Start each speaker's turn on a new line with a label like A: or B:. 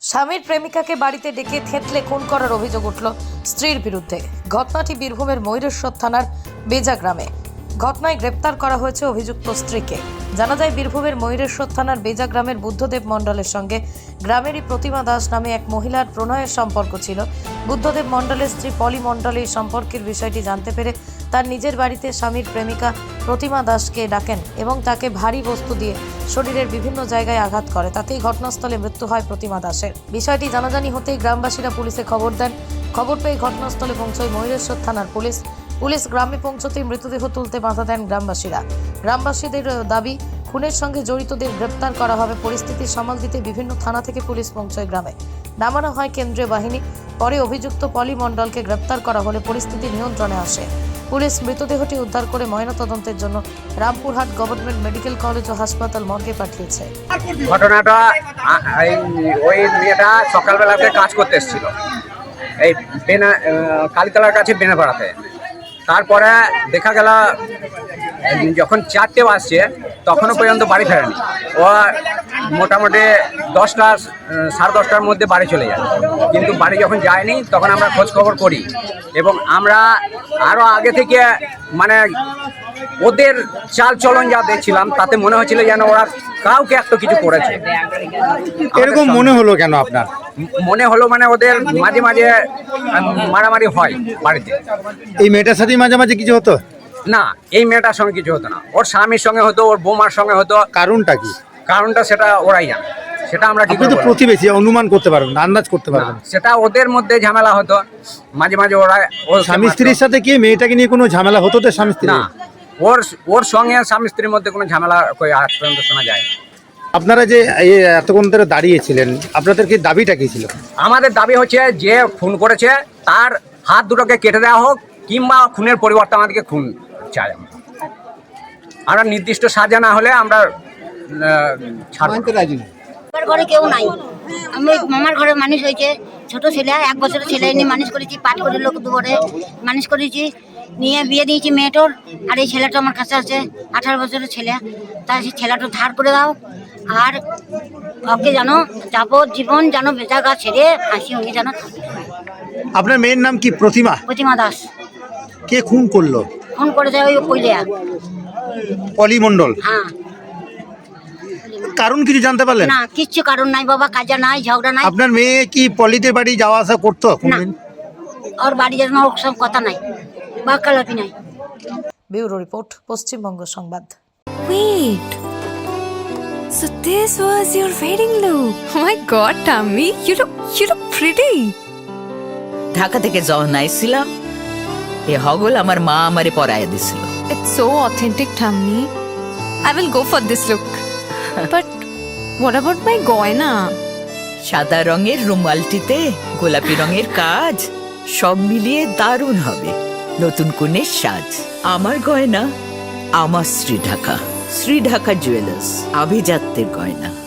A: স্বামীর প্রেমিকাকে বাড়িতে ডেকে থেতলে খুন করার অভিযোগ উঠল স্ত্রীর বিরুদ্ধে। ঘটনাটি বীরভূমের ময়ূরেশ্বর থানার বেজা গ্রামে। ঘটনায় গ্রেপ্তার করা হয়েছে অভিযুক্ত স্ত্রীকে। জানা যায়, বীরভূমের ময়ূরেশ্বর থানার বেজা গ্রামের বুদ্ধদেব মণ্ডলের সঙ্গে গ্রামেরই প্রতিমা দাস নামে এক মহিলার প্রণয়ের সম্পর্ক ছিল। বুদ্ধদেব মণ্ডলের স্ত্রী পলি মণ্ডল এই সম্পর্কের বিষয়টি জানতে পেরে তার নিজের বাড়িতে স্বামীর প্রেমিকা প্রতিমা দাসকে ডাকেন এবং তাকে ভারী বস্তু দিয়ে শরীরের বিভিন্ন জায়গায় আঘাত করে। তাতেই ঘটনাস্থলে মৃত্যু হয় প্রতিমা দাসের। বিষয়টি জানাজানি হতেই গ্রামবাসীরা পুলিশে খবর দেন। খবর পেয়ে ঘটনাস্থলে পৌঁছয় ময়ূরেশ্বর থানার পুলিশ গ্রামে পৌঁছতেই মৃতদেহ তুলতে বাধা দেন গ্রামবাসীরা। গ্রামবাসীদের দাবি, খুনের সঙ্গে জড়িতদের গ্রেপ্তার করা হবে। পরিস্থিতি সামাল দিতে বিভিন্ন থানা থেকে পুলিশ পৌঁছয় গ্রামে। নামানো হয় কেন্দ্রীয় বাহিনী। পরে অভিযুক্ত পলি মণ্ডলকে গ্রেপ্তার করা হলে পরিস্থিতি নিয়ন্ত্রণে আসে। পুলিশ মৃতদেহটি উদ্ধার করে ময়নাতদন্তের জন্য রামপুরহাট গভর্নমেন্ট মেডিকেল কলেজ ও হাসপাতাল মর্গে পাঠিয়েছে।
B: ঘটনাটা ওই মেয়েটা সকালবেলাতে কাজ করতে এসেছিল এই কালীতলার কাছে বেনাপাড়াতে। তারপরে দেখা গেল যখন 4টে বাজছে তখনও পর্যন্ত বাড়ি ফেরেনি। ও মোটামুটি 10টা সাড়ে 10টার মধ্যে বাড়ি চলে যায়, কিন্তু বাড়ি যখন যায়নি তখন আমরা খোঁজ খবর করি এবং আমরা আরও আগে থেকে মানে ওদের চাল চলন যা দেখছিলাম তাতে মনে হচ্ছিল যেন ওরা কাউকে একটা কিছু করেছে।
C: এরকম মনে হলো কেন আপনার?
B: মনে হলো মানে ওদের মাঝে মাঝে মারামারি হয় বাড়িতে।
C: এই মেয়েটার সাথে মাঝে মাঝে কিছু হতো
B: না, এই মেয়েটার সঙ্গে কিছু হতো না, ওর স্বামীর সঙ্গে হতো, ওর বৌমার সঙ্গে হতো।
C: কারণটা কি?
B: কারণটা সেটা ওরাই জানে, সেটা আমরা কি
C: আপনি তো
B: করে বলবো?
C: প্রতিবেশী, অনুমান করতে পারবেন না, আন্দাজ করতে পারবেন না।
B: সেটা ওদের মধ্যে ঝামেলা হতো মাঝে মাঝে। ওরা
C: স্বামী স্ত্রীর সাথে কি মেয়েটাকে নিয়ে কোনো ঝামেলা হতো তো স্বামী স্ত্রী?
B: না, ওর সঙ্গে স্বামী স্ত্রীর মধ্যে কোনো ঝামেলা কই আজ পর্যন্ত শোনা যায় না।
C: আপনারা যে এই এতক্ষণ ধরে দাঁড়িয়েছিলেন, আপনাদের কি দাবিটা কি ছিল?
B: আমাদের দাবি হচ্ছে যে খুন করেছে তার হাত দুটোকে কেটে দেওয়া হোক, কিংবা খুনের পরিবর্তে আমাদেরকে খুন চাই। আমরা নির্দিষ্ট সাজা না হলে আমরা ছাড়বো না।
D: আমার ঘরে কেউ নাই। আমি মামার ঘরে মানুষ হয়েছে, ছোট ছেলে 1 বছরের ছেলে নিয়ে মানুষ করেছি, পাট করে লোক দুপুরে মানুষ করেছি, নিয়ে বিয়ে দিয়েছি মেয়েটোর। আর এই ছেলেটা আমার কাছে আছে, 18 বছরের ছেলে। তাই সেই ছেলেটা ধার করে দাও, আর ওকে জানো জীবন জানো বেচা গা ছেড়ে হাসি উনি জানো থাকে।
C: আপনার মেয়ের নাম কি? প্রতিমা?
D: প্রতিমা দাস।
C: কে খুন করলো?
D: ফোন করে দেয় ওই কইলিয়া।
C: পলি মণ্ডল?
D: হ্যাঁ।
C: কারণ কিছু জানতে পারলেন?
D: না, কিচ্ছু কারণ নাই বাবা, কাজা নাই, ঝগড়া নাই।
C: আপনার মেয়ে কি পলিদের বাড়ি যাওয়া আসা করতো কোনদিন?
D: ওর বাড়ি যেন ওর সব কথা নাই, বাক্যালাপি নাই।
A: ব্যুরো রিপোর্ট, পশ্চিমবঙ্গ সংবাদ।
E: Wait. So this was your wedding look. Oh my god, Tammy, you look pretty.
F: Dhaka থেকে যখন আইছিলাম এ হগল আমার মা আমারে পরায় দিছিল।
E: It's so authentic, Tammy. I will go for this look. But what about my goina?
F: সাদা রঙের রুমালটিতে গোলাপি রঙের কাজ, সব মিলিয়ে দারুণ হবে নতুন কনের সাজ। আমার গয়না আমার শ্রী ঢাকা জুয়েলার্স, আভিজাত্যের গয়না।